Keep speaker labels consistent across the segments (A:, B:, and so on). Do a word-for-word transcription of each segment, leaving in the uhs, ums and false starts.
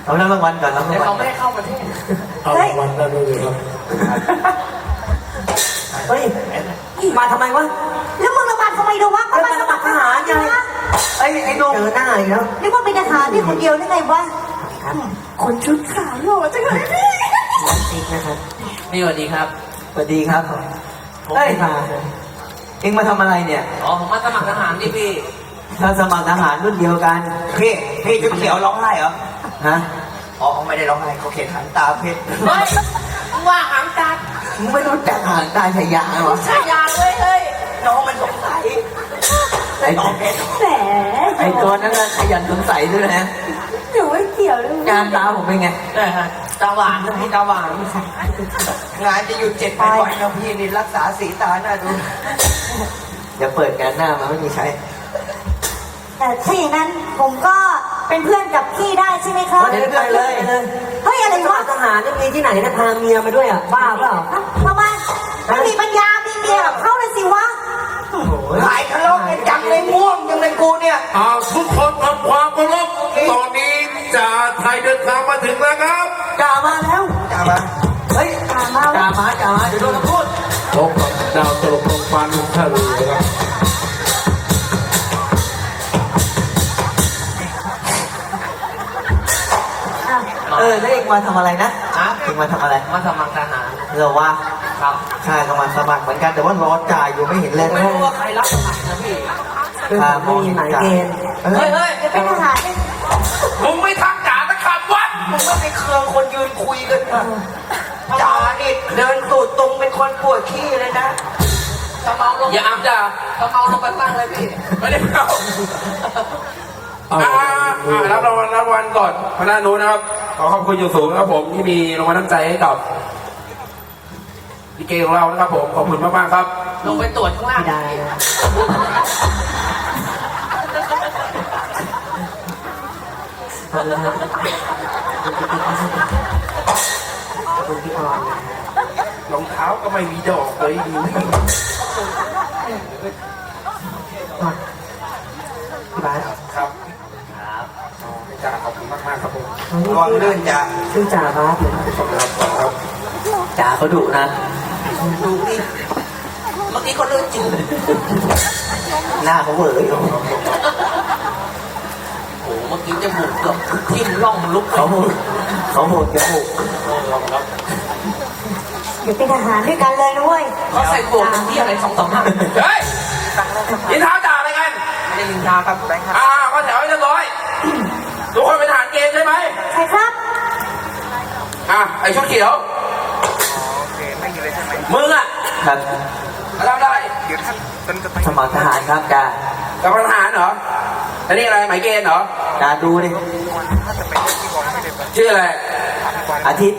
A: เอารางวัลก่อนแล้ว
B: เดี๋ยวเขาไม่ให้เข้าประเทศ
C: เอารางวัลได้เลยครับ
A: เฮ้ยมาทำไมวะ
D: แล้วมึงระบาดทำไมดูวะ
A: แล้วมาสมัครทหารยังไงไอ้ไอ้ดงเจอหน้าอีกแล้ว
D: นึกว่าเป็นทหารนี่คนเดียวได้ไงวะคนชุดขาวหล่อจังเลยพี่
A: จริงนะครับ
B: นี่สวัสดีครับ
A: สวัสดีครับเฮ้ยมาเอ็งมาทำอะไรเนี่ย
B: อ๋อผมมาสมัครทหารดิพี่
A: ถ้าสมัครทหารรุ่นเดียวกัน
E: พี่พี่ชุดเขียวร้องไห้เหรอ
A: ฮะ
E: อ๋อเขาไม่ได้ร้องไห้เขาเขียนหันตาเพชร
B: เฮ้ยมึงว่าหางตา
A: มึงไม่รู้จักทหารตาชายาเหรอ
B: ใช่ยาเลยเฮ้ย
E: น้องมันสงสัย
A: ไอ้
E: น้องเพชร
D: แหม
A: ไอ้ตัวนั้นน่ะขยันสงสัยด้วยนะ
D: หนูไม่เกี่ยวเลย
A: การตาผมเป็นไง
B: ได้ฮะตาหวานนะพี่ตาหวาน
E: งานจะหยุดเจ็ดวันก่อนนะพี่นี่รักษาสีตาหน้าดู
A: เดี๋ยวเปิดงานหน้ามาไม่มีใช้
D: แต่ถ้าอย่างนั้นผมก็เป็นเพื่อนกับพี่ได้ใช่ไหมครับ
A: เดี๋ยวไปเลยเลย
D: เฮ้ยอะไร
A: สมั
D: วะ
A: ครทหารจะมีที่ไหนนะพาเมียมาด้วยอ่ะบ้าเปล่า
D: ทำไมไม่มีปัญญามีเมียแบบเขาเลยสิวะ
E: หลายทะเลาะกันจังเลยม่วงจังเลยกูเนี่ย
C: อาทุกคนทำความเคารพตอนนี้จ่าไทยเดินทางมาถึงแล้วครับ
A: จ่ามาแล้ว
E: จ้ามา
A: เฮ้ยจ่ามาจ่ามาจ่ามาเดี๋ยวโดนพูด
C: พบกับดาวตลกของฟันทะเลครับ
A: เออแล้วเองมาทำอะไรนะ
B: ฮะ
A: เองมาทำอะไร
B: มาสมัครทหาร
A: เราว่า
B: ครับ
A: ข้าก็มาสมัครเหมือนกันแต่ว่ารอจ่ายอยู่ไม่เห็นเลย
B: ไม่รู้ว่าใครรับสมัครนะพี่
A: ข้าไม่มีหมายเกณฑ์
B: เฮ้ยเฮ้ย
D: จะเป็นทหารได้
C: มึงไม่ทักจ่าตะขับวัด
E: มึงไม่ไปเครืองคนยืนคุยกันนะจ่านี่เดินตูดตรงเป็นคนปวดขี้เลยนะ
B: ถ้าเมาลง
C: อย่าอับจ่า
B: ถ้าเมาลงไปตั้งเลยพี่
C: ไม่ได้เข้าอ่าอ่ารับรางวัลรับรางวัลก่อนคณะนู้นนะครับขอขอบคุณอย่างสูงนะครับผมที่มีรางวัลน้ำใจให้กับลิเกของเรานะครับผมขอบคุณมากๆครับ
B: ลงไปตรวจข้างล่าง
A: ไม่ได้นะขอบคุณพี่ออน
C: รองเท้าก็ไม่มีดอกเลยดี
A: พี่บาส
C: ครับครับจ่าขอบคุณมากๆครับผม
E: ระวังลื่นจ้า
A: ชื่อจ่าบาสเลย
C: ขอบคุณครับครับ
A: จ่าเขาดุนะ
E: ดูนี่เมื่อกี้เขาลื่นจริง
A: หน้าเขาเหวอ
B: โอ้โหเมื่อกี้จมูกเกือบทิ่มร่องลุก
A: เขาโหดเขาโหดจมูก
D: เดี๋ยวเป็นทหารด้วยกันเลยนะเว้ย
B: เขาใส่บวกที่อะไรสองสองห้า
C: เฮ้ยยินท้าจ่าอะไรกัน
B: ไม่ได้ลินทาครับไปครับ
C: อ่าก็แถวให้เรียบร้อย ทุกคนเป็นทหารเกณฑ์ใช่ไหม
D: ใครครับ
C: อ่ะไอชุดเขียวมึงอ่ะ
A: ครับ
C: ทำได้
A: สมัครทหารครับจ่า
C: กับทหารเหรออันนี้อะไรหมายเกณฑ์เหรอ
A: จ่าดูดิ
C: ชื่ออะไร
A: อาทิตย์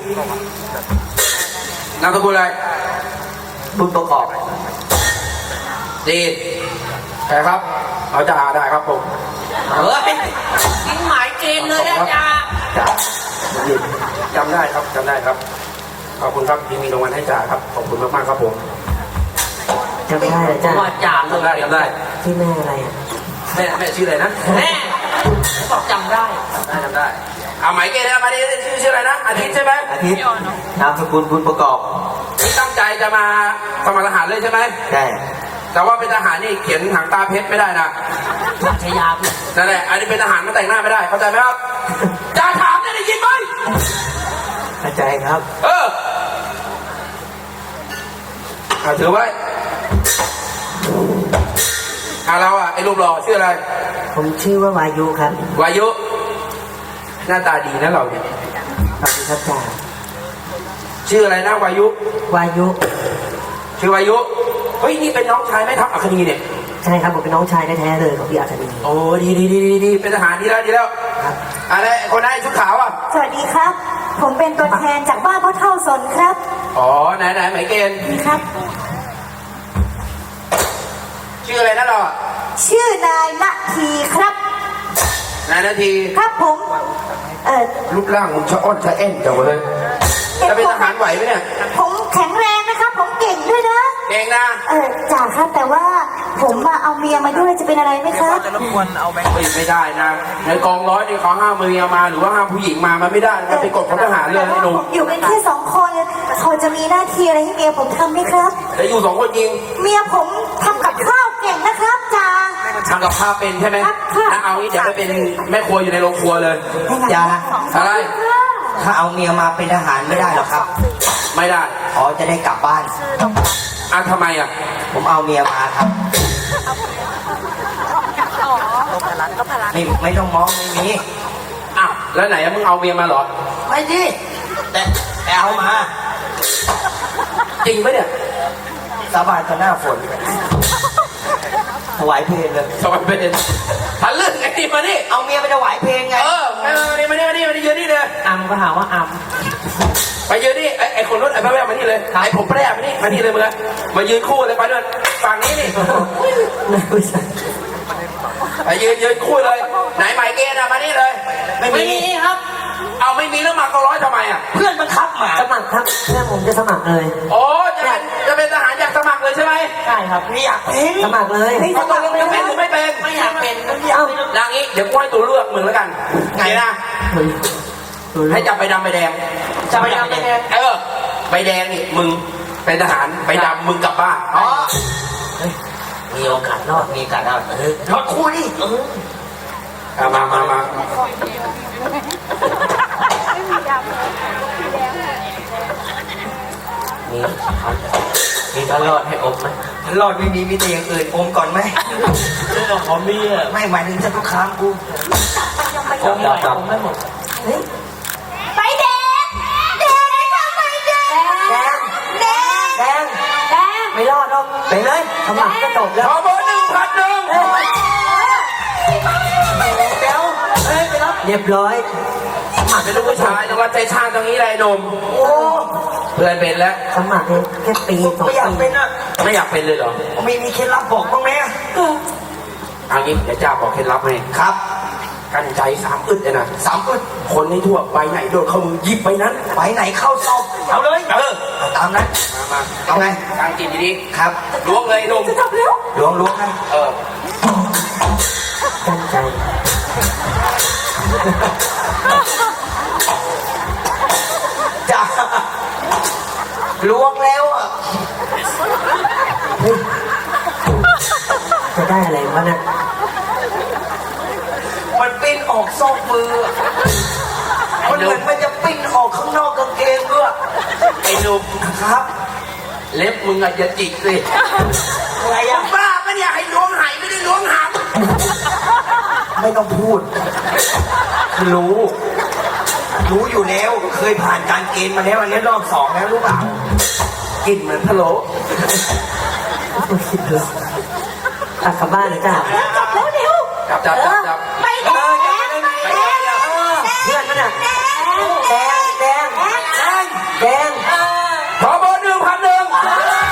C: นามสกุลอะไร
A: บุญประกอบ
C: ดีใช่ครับเอาจ่าได้ครับผม
B: เฮ้ยทิ้งหมายเกณฑ์เลยนะจ๊ะ
A: จ่าหยุด
C: จำได้ครับจำได้ครับขอบคุณครับที่มีรางวัลให้จ่าครับขอบคุณมากๆครับผม
A: จำไม่ได้เลยจ้า
B: ว่าจ่าเล
C: จำได้
B: ย
C: จำได้
A: ที่แม่อะไรอ่ะ
C: แม่แม่ชื่ออะไรนะ
B: แม่บอกจำได้
C: จำได้จำได้เอาหมายเกณฑ์นะมาดิชื่อชื่ออะไรนะอาทิตย์ใช่ไหม
A: อาทิตย์นามสกุลบุญประกอบ
C: นี่ตั้งใจจะมาสมัครทหารเลยใช่ไหม
A: ใช่
C: แต่ว่าเป็นทหารนี่เขียนหางตาเพชรไม่ได้นะ
B: ชายาพี่
C: นั่นแหละอันนี้เป็นทหารมาแต่งหน้าไม่ได้เข้าใจไหมครับจ่าถามเนี่ยได้ยินไหม
A: เข้าใจครับ
C: เออเอาถือไว้อ่ะเราอ่ะไอ้รูปหล่อชื่ออะไร
A: ผมชื่อว่าวายุครับ
C: วายุ หน้าตาดีนะเราเนี่ย
A: ขอบคุณครับจ่า
C: ชื่ออะไรนะวายุ
A: วายุ
C: ชื่อวายุเฮ้ยนี่เป็นน้องชายแม่ทัพอัคนีเนี่ย
A: ใช่ครับผมเป็นน้องชายแท้ๆเลยของพี่อาคดี
C: โอ้ดีดีดีดีดีเป็นทหารดีแล้วดีแล้ว
A: ครับ
C: อะไรคนนั้นชุดขาวอ่ะ
D: สวัสดีครับ ผมเป็นตัวแทนจากบ้านพ่อเท่าสนครับ
C: อ๋อไหนไหนหมายเกณฑ์
D: นี่ครับ
C: ชื่ออะไรนะเราอ่ะ
D: ชื่อนายละทีครับ
C: นายนาที
D: ครับผม เออ
C: รูปร่างมึงชะอ้อนชะแอ่นจังเลยจะเป็นทหารไหวไหมเนี่ย
D: ผมแข็งแรงนะครับ ผมเก่งด้วยนะ
C: เก่งนะ
D: เออจ่าครับแต่ว่าผมมาเอาเมียมาด้วยจะเป็นอะไรไหมครับ
A: จะรบกวนเอาแบงค์
C: ไม่ไม่ได้นะในกองร้อยนี่เขาห้ามเมียมาหรือว่าห้ามผู้หญิงมามันไม่ได้มันเป็นกฎของทหารเลย
D: แต่
C: ไอ้
D: ว่า
C: หนุ่ม
D: ผมอยู่กันแค่สองคนเขาจะมีหน้าที่อะไรให้เมียผมทำไหมครับ
C: แต่อยู่สองคนยิง
D: เมียผมทำกับข้าวเก่งนะครับจ่า
C: ทำกับข้าวเป็นใช่ไหม
D: ครับค่ะ
C: ถ้าเอางี้เดี๋ยวไปเป็นแม่ครัวอยู่ในโรงครัวเลย
E: อย่า
C: อะไร
E: ถ้าเอาเมียมาเป็นทหารไม่ได้หรอกครับ
C: ไม่ได้
E: อ๋อจะได้กลับบ้าน
C: อ่ะทำไมอ่ะ
E: ผมเอาเมียมาครับไม่ไม่ต้องมองไม่มี
C: อ้าวแล้วไหนอะมึงเอาเมียมาเหรอ
E: ไม่ดิแต่แต่เอามา
C: จริงไหมเนี่ย
E: สบายต่อหน้าฝนถวายเพลงเลย
C: สวัสดีเป็นทะลึ่งไอ้นี่มานี่
E: เอาเมียไปถวายเพลงไง
C: เออมานี่มานี่มานี่มานี่ยืนนี่เลย
B: อัมก็หาว่าอัม
C: ไปยืนนี่ไอ้ไอ้คนรถไอ้แม่มานี่เลยไอ้ผมแปรมานี่มานี่เลยมึงอะมายืนคู่เลยไปด้วยฝั่งนี้นี่ไปยืนยืนคู่เลย ไหนหมายเกณฑ์อะมานี่เลย
E: ไม่
B: ไม่
E: มี
B: มีครับ
C: เอาไม่มีแล้วมากองร้อยทำไมอะ
E: เพื่อนมันคับหมา
A: สมัครครับเพื่อนผมจะสมัครเลย
C: โอ้จะเป็นจะเป็นทหารอยากสมัครเลยใช่ไหม
B: ใช่ครับ
E: ไม่อยากเป็น
A: สมัครเลย
C: เขาตกลงจะเป็นหรือไม่เป็น
B: ไม่อยากเป็นไม่อยาก
A: เอ้า
B: เป็น
C: นางนี้เดี๋ยวกูให้ตัวเลือกมึงแล้วกันไงนะ ให้จับใบดำใบแดง
B: จะไปทำยังไง
C: เออใบแดงนี่มึงเป็นทหารใบดำมึงกลับบ้าน
E: อ๋อมีโอกาสรอดมีโอกาสรอดเออรอดคู่นี่เออ
C: เอามามามา
E: มีมีทารอดให้อมไหมทารอดไม่มีมีแต่อย่างอื่นอมก่อนไหม
B: เรื่องของมีอ่ะ
E: ไม่หมายถึงจะทุกครั้งกู
B: ผมไม่ผมไม่หมด
D: เฮ้ยไปแดงแดงทำไมแดงแดงแดงแดง
A: ไม่รอดหรอกไปเลยสมัครก็จบแล้ว
C: ขอเบอร์หนึ่งพันหนึ่ง
A: เดี๋ยวเฮ้ยไปรับเรียบร้อย
C: สมัครเป็นลูกผู้ชายแต่ว่าใจช่างตรงนี้เลยหนุ่ม
E: โอ้
C: เพื่อนเป็นแล้ว
A: สมัครเลยแค่ปีสอง
E: ไม่อยาก
A: ปี
E: เป็นอ่ะ
C: ไม่อยากเป็นเลยเหรอ
E: มีมีเคล็ดลับบอกบ้างไหมอะ
C: เอางี้เดี๋ยวจ้าบอกเคล็ดลับให้
E: ครับ
C: กันใจสามอึดเลยนะ
E: สามอึด
C: คนในทั่วไปไหนโดนเข้ามือหยิบไปนั้น
E: ไปไหนเข้าซอกเอาเลย
C: เออ
E: เอาตามนั้น
C: มามา
E: เอาไง
C: กางกินดี
E: ครับ
C: ๆล้วงเลยหนุ่ม
D: จะจบแล้ว
E: ล้วงล้วงนะ
C: เออ
A: ตั้งใจ
E: จ้าล้วงแล้วอ่ะ
A: จะได้อะไรวะเนี่ย
E: มันปิ้นออกซอกมืออะมันเหมือนมันจะปิ้นออกข้างนอกกางเกงด้วย
C: ไอ้หนุ่ม
E: ครับ
C: เล็บมึงอะอย่าจิกสิ
E: อะไร
C: มึ
E: อ่ะ
C: งบ้าปะเนี่ยให้ล้วงไหไม่ได้ล้วงหาม
E: ไม่ต้องพูด รู้ รู้อยู่แล้ว เคยผ่านการเกณฑ์มาแล้วอันนี้รอบสองแล้วรู้เปล่า
C: กินเหมือนพะโล้
A: ตักกลับบ้านเลยจ้า
D: จบแล้วเดี๋ยว
C: จับจับจับจับ
D: ไปแดงแดงไปแดง
A: เพื่อนมันอ่ะแดงแดงแดงแดง
C: ขอเบอร์หนึ่งพันหนึ่งไป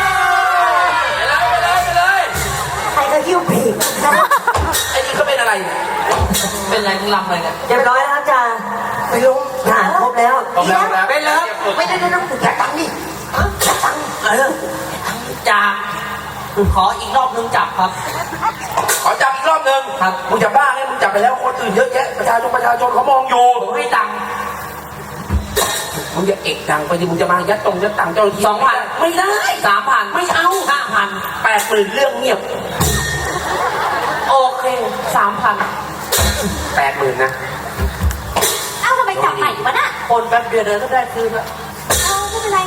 C: เลยไปเลยไปเลย
D: ใครก็หิ้วปีกนะ
C: ไอ้นี่เขาเป็นอะไรเนี่ย
B: เป็นอะไรมึงลำอะไรเนี่ย
A: เรียบร้อยแล้วครับจ้าไปลุงทหารครบแล้ว
C: ตบแล้วแล้ว
E: เป็นเลยไม่ได้ไม่ได้แจกตังค์นี่แจกตังค์เออ
B: จ่าขออีกรอบนึงจับครับ
C: ขอจับอีกรอบหนึ่ง
B: ครับ
C: มึงจะบ้าไงมึงจับไปแล้วคนอื่นเยอะแยะประชาชนประชาชนเขามองอยู่
B: ผมให้ตังค์
C: มึงจะเอกตังไปดิมึงจะมายัดตรงยัดตังเจ้าหน้าที่
B: สองพันไม่ได้สามพันไม่เอาห้าพัน
C: แปดหมื่นเรื่องเงียบ
B: โอเคสามพัน
C: แปดหมื่นนะ
D: เอ้าทำไมจับใหม่วะน่ะ
B: คนแป๊บเดียวเดินก็ได้คืนละ
D: เอ้าไม่เป็นไร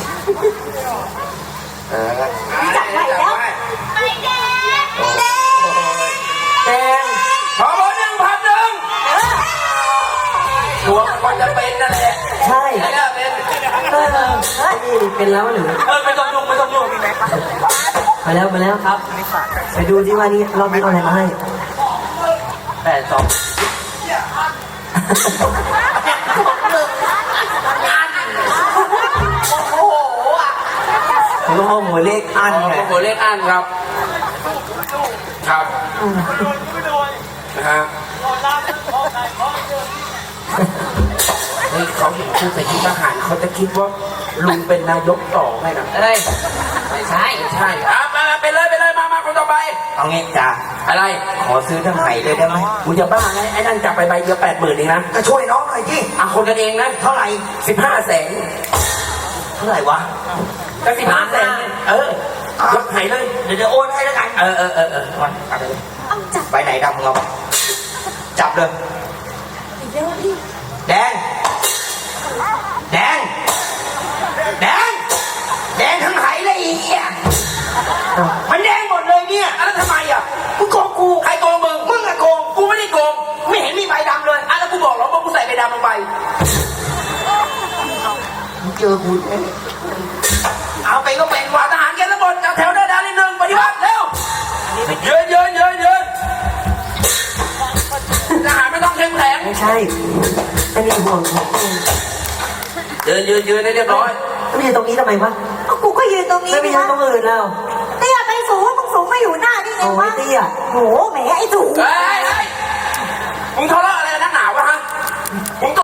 C: เออ
D: จับใหม่แล้วไปแดงแดง
A: แดง
C: ขอเบอร์หนึ่งพันหนึ่งตัวมันก็จะเป็นนั่นแหละ
A: ใช่
C: ไอ้เนี่ยเป็น
A: เออนี่เป็นแล้วหรือ
B: เออไม่ต้องยุ่งไม่ต้องยุ่ง
A: มาแล้วมาแล้วครับไปดูที่ว่านี่รอบนี้เอาอะไรมาให้
B: แปดสอง
E: โอ้โหอ่ะ
A: ผมก็เอาหมวยเลขอัน
C: อ๋อ
A: ไง
C: โอ้โหเลขอันครับ ครับนะฮะเฮ้ยเขาเห็นคู่ใส่ชุดทหารเขาจะคิดว่าลุงเป็นนายกต่อไงนะ
B: เอ้ยไม่ใช่
C: ใช่อ่ะมาไปเลยไปเลยมามาคนต่อไปไป
E: เอางี้จ้า
C: อะไร
E: ขอซื้อทั้งไหเลยได้ไหม
C: มึงจะบ้าไงไอ้นั่นจับไปใบเดียวแปดหมื่นเองนะ
E: ก็ช่วยน้องหน่อยที่
C: อ่ะคนกันเองนะ
E: เท่าไหร่
C: สิบห้าแสน
E: เท่าไหร่วะ
C: ก็สิบห้าแสนเออยกไหเลย
E: เดี๋ยวเดี๋ยวโอนให้แล้วกัน
C: เออเออเออเออ
E: วันเอาไปเลย
D: เอาจับ
E: ไปไหนดำเราจับเลย
D: อีกแล้วพี่
E: แดง แดง แดง แดงทั้งไหเลยไอีเหี้ยมันแดงหมดเลยเนี่ย
C: อ่ะแล้วทำไมอ่ะ
E: มึงโกงกู
C: ใครโกงมึง
E: มึงอะโกง
C: กูไม่ได้โกง
E: ไม่เห็นมีใบดำเลย
C: อ่ะแล้วกูบอกเหรอว่ากูใส่ใบดำลงไป
E: มึงเจอกูแน่เอาไปก็เป็น
C: กว่า
E: ว่า
C: ทหารแกทั้งหมดจับแถวเดินดานนิดนึงปฏิบัติเร็วยืนยืนยืนยืนทหารไม่ต้องเข้มแข็ง
A: ไม่ใช่อันนี้ห่วงของเอง
C: ยืนยืนยืนให้เรียบร้อย
A: ไม่ยืนตรงนี้ทำไมวะ
D: เอากูก็ยืนตรงนี้
A: ไม่ไปยืนตรงอื่นแล้ว
D: เตี้ยไปสูงมึงสูงมาอยู่หน้านี่ไง
A: เอาไว้
D: วะ
A: เตี้ย
D: โหแหมไอ้สูง
C: เฮ้ยเฮ้ยมึงทะเลาะอะไรกันนักหนาวะฮะมึง